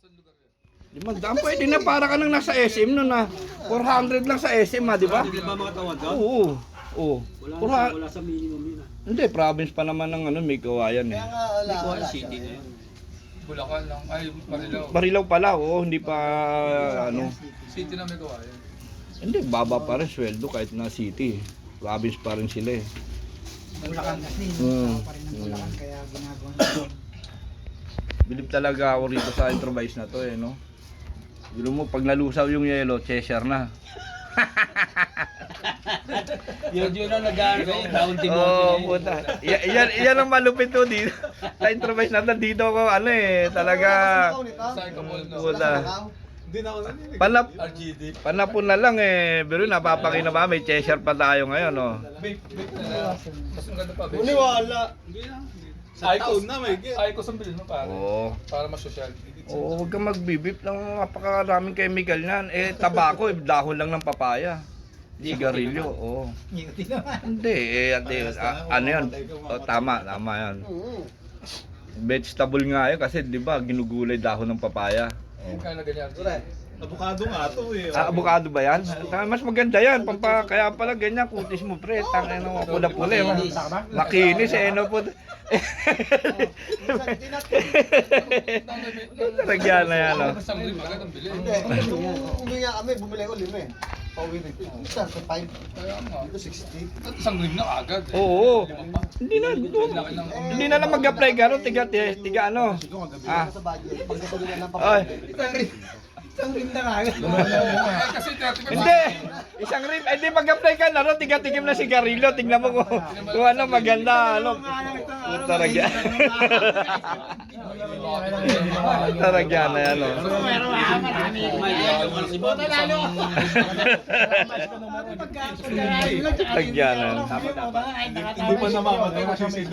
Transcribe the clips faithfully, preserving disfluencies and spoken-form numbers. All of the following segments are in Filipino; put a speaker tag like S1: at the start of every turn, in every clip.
S1: Limang daan, pwede na para ka nang nasa S M no na. four hundred lang sa S M ha, di ba?
S2: Hindi ba mga tawad doon?
S1: Oo. Oo.
S2: Wala,
S1: Four
S2: sa,
S1: hu-
S2: wala sa minimum yun. ah.
S1: Hindi, province pa naman ng ano, may kawayan eh.
S3: Kaya nga wala.
S2: Hindi ko
S3: wala
S2: city
S3: siya.
S2: na yun.
S4: Bulacan lang. Ay, Marilaw.
S1: Barilaw pala, oo, hindi pa ano.
S4: City na may kawayan.
S1: Hindi, baba pa rin sweldo kahit na city. Province pa rin sila eh.
S5: Bulacan kasi,
S1: Mm.
S5: tao pa rin ng Bulacan, kaya ginagawa nito.
S1: Bilib talaga ako rito sa improvise na to eh, no? Bilo mo, pag nalusaw yung yelo, Cheshire na.
S2: Yun yun ang nag-ano kayo, taon
S1: Oo,
S2: Timothy.
S1: oh, puta. Y- yan, yan ang malupit to dito. Sa improvise na to, dito ako, ano eh, talaga.
S4: Psycho Ball, no?
S1: Puta.
S3: Hindi na ako naninig.
S1: Panap,
S4: R G D.
S1: panapon na lang eh. Pero napapakina ba, may Cheshire pa tayo ngayon, no?
S4: Vape, vape na lang. Mas ang ganda pa, vape.
S3: Uniwala. Sa
S4: Icos.
S3: taon na may get.
S4: Icos ang bilhin mo, pare.
S1: Oo.
S4: Para mas social.
S1: Oo, huwag kang magbibip ng napakaraming chemical niyan. Eh, tabako, eh, dahon lang ng papaya. Sigarilyo, oo.
S5: Ngiti naman.
S1: Hindi, eh, ate, a- ano yun? O, tama, tama yan.
S3: Mm.
S1: Vegetable nga yun kasi, di ba, ginugulay dahon ng papaya.
S4: Kaya na ganyan.
S3: Correct. Abukado nga to eh.
S1: Ah, avocado ba yan? Ah, mas maganda yan. Pampa, kaya pala ganyan, kutis mo pre. Tang, ano, pula-pula. eh. Makinis eh, no po. Taragyan na yan, no?
S4: Isang rim agad ang bilhin.
S3: Hindi, nung umuwi nga kami, bumili ko lima eh. Pauwi rin. Isa sa five.
S4: Kaya nga.
S3: Dito sixty.
S4: At isang rim na agad. eh.
S1: Oo.
S4: Lima pa.
S1: Hindi na,
S4: Laki ng
S1: hindi na lang mag-apply ka, no? Tiga, tiga, tiga ano? Ah.
S3: Sa budget. Pagkatuloy na ng
S1: Ay.
S3: papel.
S5: Isang rin na nga.
S4: Eh, kasi thirty ka
S1: Hindi! Isang rim, eh di mag-apply ka na, no? Tiga-tigim na sigarilyo, tignan mo kung, kung ano maganda, ano. Taragyan. Taragyan na yan, no? Taragyan na yan.
S3: Hindi pa naman. Hindi pa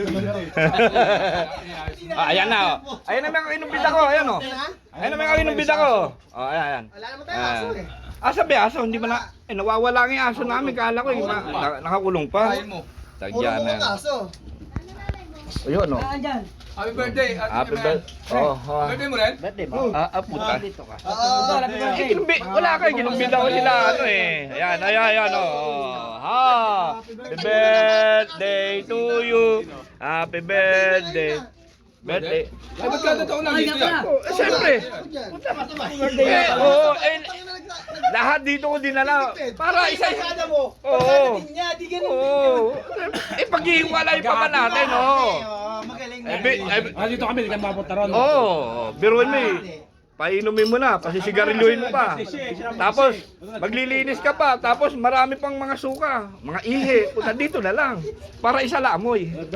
S1: Ah, ayan na, oh. Ayan na mga inumbida ko, ayan, oh. Ayan na mga inumbida ko. Oh, ayan, ayan.
S3: Wala naman tayo aso eh.
S1: Ah, sabi aso, hindi ba na, eh, nawawala nga yung aso namin, kala ko, eh, ma, na, nakakulong pa.
S4: Kain mo.
S3: Puro
S1: Taragyan na yan.
S3: mukhang aso.
S1: Ayun, oh.
S4: Happy birthday.
S1: Happy birthday. Oh, oh.
S4: Birthday mo rin?
S1: Ah, ah, puta.
S3: Ah,
S1: Eh, kinumbi, wala kayo, ginumbida ko sila, ano eh. Ayan, ayan, ayan, oh. Ha! Happy birthday to you. Happy birthday. Birthday.
S4: Ay, ba't kada taon nandito yan?
S1: Oh, eh, siyempre.
S3: ako dyan.
S1: Eh, oo, eh, lahat dito ko dinala. Para isa
S3: mo.
S1: Oo.
S5: Niya, di ganun.
S1: Oo. Eh, paghihiwalay pa ba natin, oo.
S5: Magaling
S1: Eh, bi- eh, bi-
S2: Ah, dito kami, hindi kami mapunta ron.
S1: Oo, biruin mo eh. Painumin mo na, pasisigarilyohin mo pa. Tapos, maglilinis ka pa. Tapos, marami pang mga suka, mga ihi. Punta dito na lang. Para isa laamoy.
S5: Oo,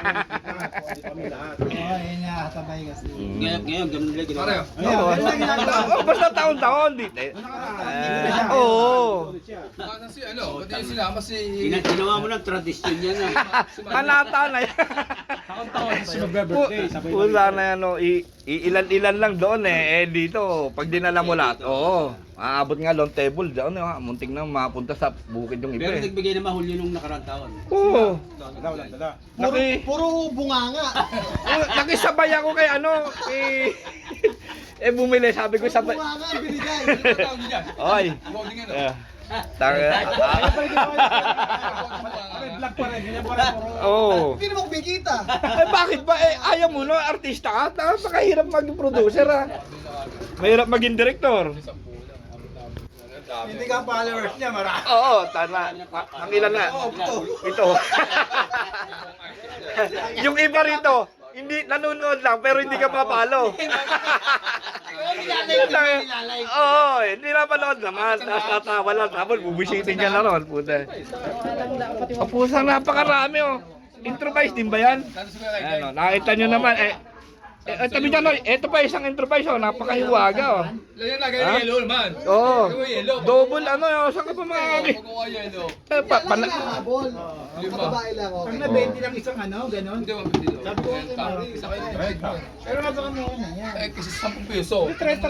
S5: yun nga, sabay kasi.
S2: Ngayon, ngayon, ganun nila ginawa.
S4: Pare,
S1: Oo. Oh, basta taon-taon. Di, eh, eh, Oo.
S4: baka si ano, ba't yung sinama si...
S2: Gina- Ginawa mo ng tradisyon yan ah.
S1: Manata na yan.
S2: Kasi magbe-birthday, sabay na.
S1: Wala na yan, oh. I- iilan-ilan lang doon eh. Eh dito, pag dinala mo lahat, oo. Aabot nga long table doon, eh, muntik na mapunta sa bukid yung iba
S2: Pero
S1: eh.
S2: nagbigay na mahuli nung nakarang taon.
S1: Oo.
S3: Puro,
S1: Laki.
S3: puro bunganga.
S1: Oh, nakisabay ako kay ano, kay... eh bumili, sabi ko sabay.
S3: Bunganga ang binigay.
S4: Ano tawag niyo dyan?
S1: Oy.
S4: Voting ano?
S1: Eh, Tanga.
S2: Vlog pa rin, ganyan pa rin.
S1: Oo.
S3: Hindi naman kumikita.
S1: Eh bakit ba? Eh ayaw mo no, artista ka. Tapos nakahirap maging producer ha. Mahirap maging director.
S5: Hindi ka followers niya, marami.
S1: Oo, tama. Ma- Ang ilan na? Ito. Yung iba rito, hindi nanonood lang pero hindi ka mapalo. Oo, hindi na panood naman. Tapos tatawa lang. Tapos bubisitin ka na ron. Puta. Kapusang napakarami oh. Improvise din ba yan? Ano, nakita nyo naman eh. Eh, eh, tabi dyan, oh, ito pa isang improvise oh, napakahiwaga oh.
S4: Lagyan na,
S1: Ha?
S4: ganyan yellow naman.
S1: Oo.
S4: Gawin yellow.
S1: Double ano yun, saan ka pa mga
S4: Pagkuha yellow.
S1: eh, pa,
S3: Laki
S1: pana-
S3: lang habol.
S4: Lima.
S3: Sa babae lang,
S5: Pag
S3: okay.
S5: na twenty lang isang ano, ganun.
S4: Hindi, mabili daw.
S5: Sabi ko,
S4: Renta. Isa kayo.
S5: Pero nagkaroon mo na yan.
S4: Eh, kasi sampung piso.